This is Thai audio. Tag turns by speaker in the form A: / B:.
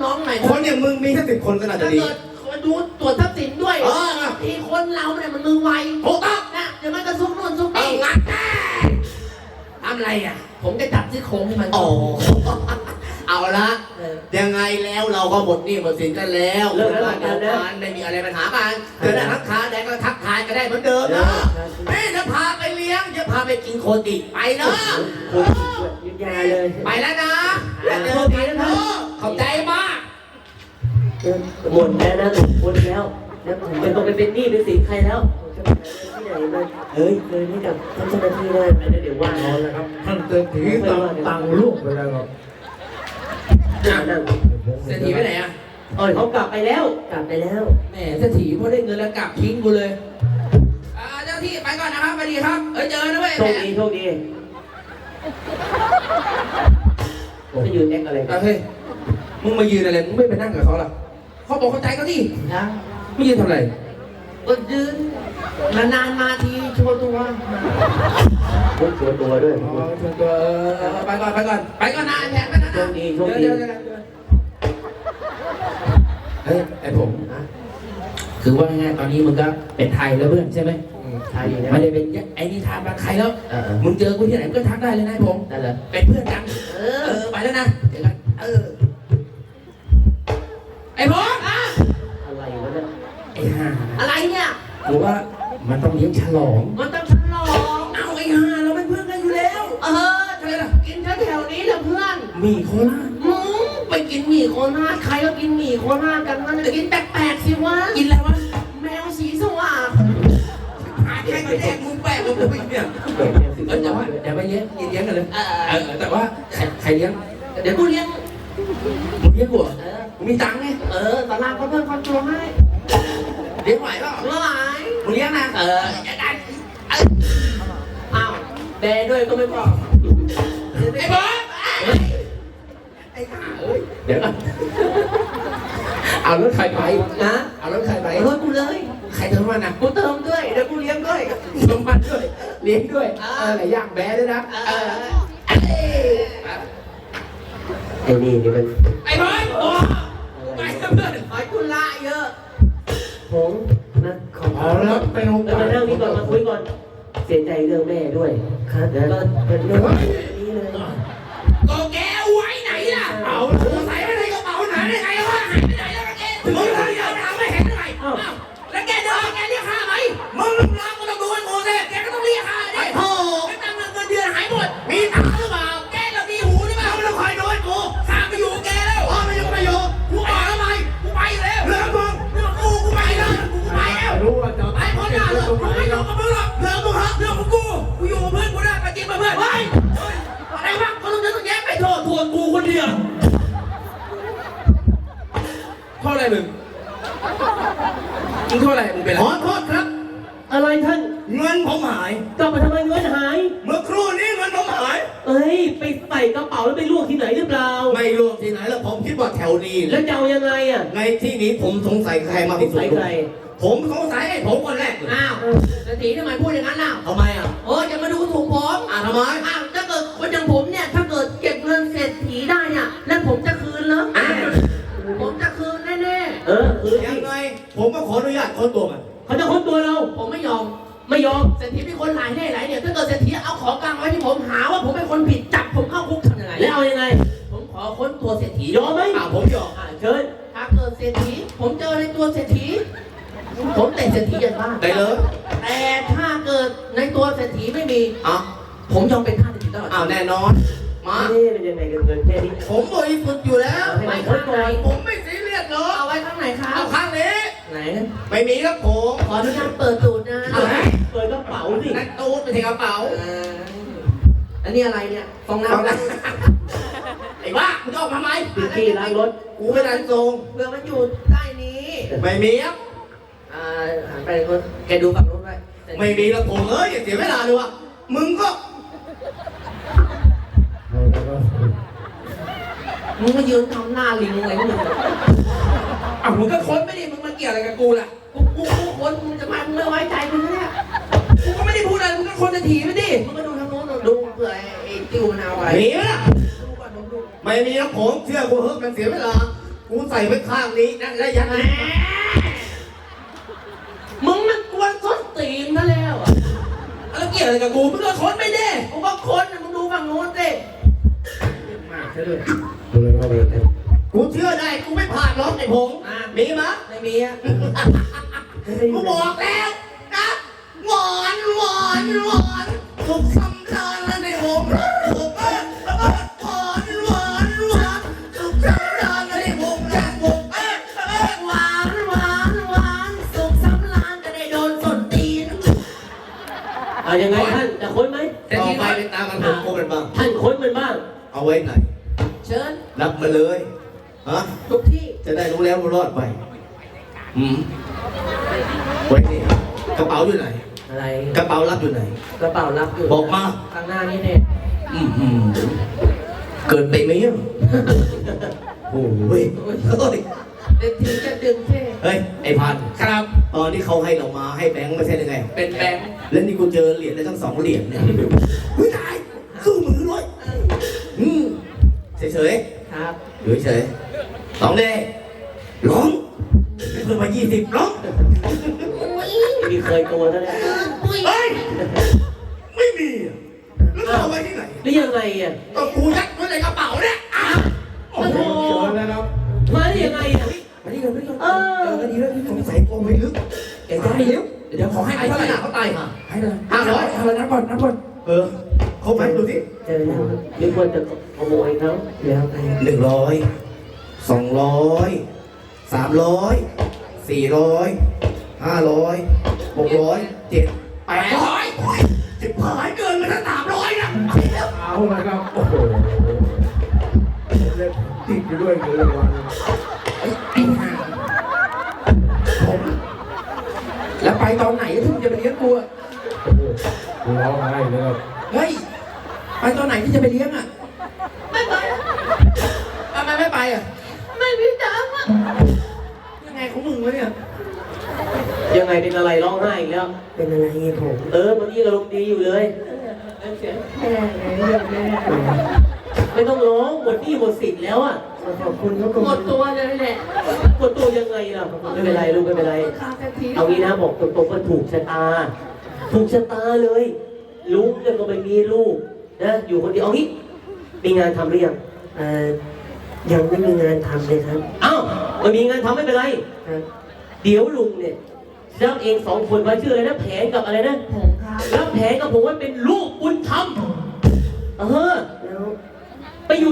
A: น้องหน่อย
B: คนอย่างมึงมีแค่10 คนก็น่าจะดี
A: ดูตรวจทรัพย์สินด้วยทีคนเราเนี่ยมันมือไวถูกต้องนะเดี๋ยวมันก็ซุกนู่นซุกนี่งัดแน่ทำอะไรอ่ะผมจะจับซี่โครงให้มัน
B: โอ้เอาละยังไงแล้วเราก็หมดหนี้หมดสินกันแล้ว
A: เลิกแล้วกันนะ
B: ไม่มีอะไรปัญหากันเจอได้ทักทายได้ก็ทักทายกันได้เหมือนเดิมนะแม่จะพาไปเลี้ยงจะพาไปกินโคติไปเนาะ
A: ยืนยาเลย
B: ไปแล้วนะเจอกันเนาะขอบใจมาก
A: หมดแล้วนะหมดแล้วแล้วผมเป็นต้องไปเป็นหนี้เป็นสินใครแล้วจะไปที่ไหนมาเฮ้ยเคยให้กับท่านเจ้าหน้าที่ได้เดี๋ยวว่า
C: เอาแล้วครับท่านเศรษฐีตังลูกไปแล้วครับ
B: เศรษฐีไปไหนอ่ะ
A: เขากลับไปแล้วแหมเศรษฐีพอได้เงินแล้วกลับทิ้งกูเลยเจ้าที่ไปก่อนนะครับสวัสดีครับเจอนะเว้ยโชคดีจะยืนแอคอะไร
B: เฮ้ยมึงมายืนอะไรมึงไม่ไปนั่งกับเขาล่ะเขาบอกเข้าใจเขาดิไม่ยืนทำอะไร
A: ก็ยืนนานมาทีโชว์ตัวด้วย
B: ไปก่อนนะแผนนะ
A: โชคดี
B: เฮ้ยไอผมคือว่าง่ายตอนนี้มึงก็เป็นไทยแล้วเพื่อนใช่ไหม
A: ไทย
B: ไม่ได้เป็นไอ้นี่ทางบางใครแล้วมึงเจอกูที่ไหนมึงก็ทักได้เลยนะผม
A: นั่นแหละ
B: เป็นเพื่อนกันไปแล้วนะเจอกันไอ้ผม
A: อะไรวะเนี่ย
B: ไอ้ห่า
A: อะไรเนี่ย
B: กูว่ามันต้องเลี้ยงฉลอง
A: เอา
B: ไอ้ห่าเราเป็นเพื่อนกันอยู่แล้ว
A: ใช่ล่ะกินแถวนี้แหละเพื่อน
B: หมี่โคราช
A: ไปกินหมี่โคราชใครก็กินหมี่โคราชกันมันกินแปลกๆสิวะ
B: กินอะไรวะ
A: แมวสีสว่าง
B: ใครมาแดกมึงแปลกมึงไปเนี่ยแต่ว่าเดี๋ยวไปเลี้ยงกันเลยแต่ว่าใครเลี้ยง
A: เดี๋ยวกูเลี้ยง
B: มึงเลี้ยงกูมีตังค์ไง
A: ตลาดเขาเพิ่มความตัวให้
B: เลี้ยงไหวเปล่า
A: ไหว
B: มึงเลี้ยงนะ
A: จะได้อ้าวแดด้วยก็ไม่พอ
B: ไอ้บอสไอ้ห่าเดี๋ยวเอารถใครไป
A: นะ
B: เอารถใครไป
A: รถกูเลย
B: ใครเติมมันนะ
A: กูเติมด้วยเดี๋ยวกูเลี้ยงด้วย
B: เติมมันด้วยเลี้ยงด้วยไหนย่างแบ๊ด้วยนะ
A: ไอ้นี่มัน
B: ไอ้บอสไปเพื่อน
A: ไอ้คุณละเยอะผมนะขอ
B: แล้วไปลง
A: มานั่งนี่ก่อนมาคุยก่อนเสียใจเรื่องแม่ด้วยครับก็เป็นเรื่องนี้เลย
B: ก็แกไว้ไหนล่ะเอาใส่ไว้ในกระเป๋าไหนได้ไงวะหายไปไหนแล้วแกถึงเราเดินทางไม่เห็นอะไรแล้วแกเดินแกเรียกค่าไหมมึงลูกน้องก็ต้องดูให้หมดเลยแกก็ต้องเรียกค่าดิโอ้แกตั้งเงินเดือนหายหมดมีตาหรือเปล่าแกเรามีหูหรือเปล่าไม่ต้องคอยดูให้กูข้าไปอยู่แกแล้วไม่อยู่กูบอกทำไมกูไปแล้วเรื่องมึงเรื่องกูไปแล้วกูไปแล้ว
C: รู้ว่าจะ
B: ไปคนหน้าเลยกูไม่อยู่กับมึงหรอกเรื่องมึงเรื่องของกูอยู่กับเพื่อนกูได้ไปกินมาเพื่อนอะไรวะเขาต้องแยกไปโทษกูคนเดียวโทษอะไรมึงกินโทษอะไรมึงเป็นอะไรขอโทษครับ
A: อะไรท่าน
B: เงินผมหาย
A: กลับมาทำไมเงินหาย
B: เมื่อครู่นี้เงินผมหาย
A: ไปใส่กระเป๋าแล้วไปลวกที่ไหนหรือเปล่า
B: ไม่ลวกที่ไหนแล้วผมคิดว่าแถวนี้
A: แล้วจะเอายังไงอ่ะ
B: ในที่นี้ผมสงสัยใครมาที่สุดผมสงสัยไอ้ผมคนแรก
A: อ้าวเศรษฐีทำไมพูดอย่างนั้นล่ะ
B: ทำไมอ่ะ
A: จะมาดูถูกผม
B: ทำไม
A: ถ้าเกิดคนอย่างผมเนี่ยถ้าเกิดเก็บเงินเศรษฐีได้เนี่ยแล้วผมจะคืนเหรอผมจะคืนแน่
B: ๆคืนยังไงผมก็ขออนุญาตค้นตัวมัน
A: เขาจะค้นตัวเราผมไม่ยอมเศรษฐีเป็นคนหลายเนี่ยถ้าเกิดเศรษฐีเอาของกลางไว้ที่ผมหาว่าผมเป็นคนผิดจับผมเข้าคุกทำยังไงแล้วเอายังไงผมขอค้นตัวเศรษฐียอมไหม
B: ผมยอม
A: เชิญถ้าเกิดเศรษฐีผมเจอในตัวเศรษฐีผมแต่เศรษฐียันบ้าน
B: ได้เลย
A: แต่ถ้าเกิดในตัวเศรษฐีไม่มีผมยอมเป็นท่าเศรษฐีตลอด
B: แน่นอนมา
A: เป็นยังไงกันเงินแค่นี้
B: ผมบริสุทธิ์อยู่แล้ว
A: ไม่ข้างไหน
B: ผมไม่ซีเรียสเลย
A: เอาไว้ข้างไหนครับ
B: เอาข้างนี้
A: ไหน
B: ไม่มีครับผม
A: ขออนุญาตเปิดตูดนะเปิดกระเป๋าสิ
B: นั่นตูดไปถึงกระเป๋า
A: อันนี้อะไรเนี่ยฟองน้
B: ำไอ้บ้าคุณออกมาไหม
A: พี่ล้างรถ
B: กูไม่ได้ทรง
A: เรือมันอยู่ใต้นี้
B: ไม่มีครับ
A: หันไปคนแกดูฝั่งรถไว้
B: ไม่มีแล้วผมอย่าเสียเวลาเลยวะมึงก็
A: มึงมายืนทำหน้าลิงอะไรมึง
B: มึงก็ค้นไม่ดิมึงมาเกี่ยวอะไรกับกูล่ะ
A: กูค้นมึงจะมามึงไม่ไว้ใจมึงเนี่ย
B: กูก็ไม่ได้พูดอะไรมึงก็ค้นจะถีบไม่ดิ
A: มึงมาดูทางโน้นดูเผื่อไอ้ติ้วมันเอาไว้
B: มีไหมล่ะไม่มีนะผมเชื่อกูเฮ้ยมันเสียเวลา
C: กูใส่ไว้ข้างนี้นั่นแล้วยังไง
A: มึงมันกวนส้นตีนซะแล้วอ่ะ
B: แล้วเกี่ยวอะไรกับกูมึงก็ค้นไม่ได้
A: กูว่าคนน่ะมึงดูฝั่งโน้นสิ
B: มากซะด้วย
C: กูเชื่อได้กูไม่ผ่านหรอกไอ้ผงมีมะ
A: ไม่มีอ่ะ
B: กูบอกแล้วนะหวานหวานหวานสุขสำราญแล้วในผมหวานหวานหวานสุขสำราญแล้วในผมนะผม
A: หวานหวานหวานสุขสำราญจะได้โดนส้นตีนเอายังไงท่านจะค้นไหม
C: ต่อไปเป็นตามมันผมโกมันบ้าง
A: ท่านค้นมันบ้าง
C: เอาไว้ไหน
A: เชิญ
C: รับมาเลยฮะ
A: ทุกที่
C: จะได้รู้แล้วรู้รอดไปไว้นี่กระเป๋าอยู่ไหน
A: อะไร
C: กระเป๋ารับอยู่ไหน
A: กระเป๋ารับอยู่
C: บอกมา
A: ข้างหน้านี้เนี่ย
C: เกินไปไหมอ่ะโอ้ยเฮ้ย
A: เด็กทีจะดึงเท่
C: เฮ้ยไอ้พัน
B: ครับ
C: ตอนที่เขาให้เรามาให้แบงค์ไม่ใช่ยังไง
B: เป็นแบงค์
C: แล้วนี่กูเจอเหรียญได้ทั้ง2 เหรียญเนี่ยเฮ้ยตายสู้มือเลยเฉย
A: ครับ
C: ๆอยู่เฉยๆ2 เด้ร้องเพิ่มมา20ร้อง
A: มีเคยตัวแล้วเนี่ย
C: เฮ้ยไม่มีอ่ะแล้วเอาไว้ที่ไหน
A: หรือยังไงอ่ะ
B: ก็กูยัดไว้ในกระเป๋าเนี่ยอ้าว
A: โอ้โหมาได้ยังไงอ่ะ
C: มาที่เดิมไม่ต้อง
A: เออ
C: เจอกันดีแล้วสงสัยโกงไปลึกแกจะให้ลึก
B: เดี๋ยวขอให้
C: ไอ้
B: ไป
C: ข
B: เท่าไหร่
C: นาดเขาตายห่า
B: ให้เลย
C: 500
B: 500นับก่อน
C: ครบไหมดูสิ
A: เจอแล้วนึกว่าจะขโมยเขาแล้วไป
C: 100 200 300 400 500 600 7
B: 800จิบหายเกินมาตั้ง300นะ
C: เอาละครับโอ้โหเล่นติดอยู่ด้วยเงินรางวัล
B: ไอ้ห่าผมแล้วไปตอนไหนที่มึงจะไปเลี้ยงกูอะ
C: กูร้องไห้เลยครับ
B: เฮ้ยไปตอนไหนที่จะไปเลี้ยงอะ
A: ไม่ไป
B: ทำไมไม่ไปอะ
A: ไม่มีตังค์อ่ะ
B: ยังไงของมึงวะเนี่ย
A: ยังไงเป็นอะไรร้องไห้อีกแล้ว
D: เป็นอะไรเงี้ยผม
A: เมื่อกี้อารมณ์ดีอยู่เลย
D: แม่เรื่องแม่
A: ไม่ต้องร้องหมดหนี้หมดสิทธิ์แล้วอ่ะ
D: ขอบคุณเขา
A: หมดตัวเลยแหละหมดตัวยังไงล่ะไม่เป็นไรลูกไม่เป็นไร เอางี้นะบอกตรงๆว่าถูกชะตา ถูกชะตาเลยลุงเนี่ยก็ไม่มีลูกนะอยู่คนเดียวเอางี้มีงานทำหรือยัง
D: ยังไม่มีงานทำเลยครับ
A: อ้าวไม่มีงานทำไม่เป็นไร
D: ครับ
A: เดี๋ยวลุงเนี่ยรับเอง2 คนไว้ชื่ออะไรนะแผนกับอะไรนะ
D: ผมครับ
A: รับแผนกับผมไว้เป็นลูกบุญธรรม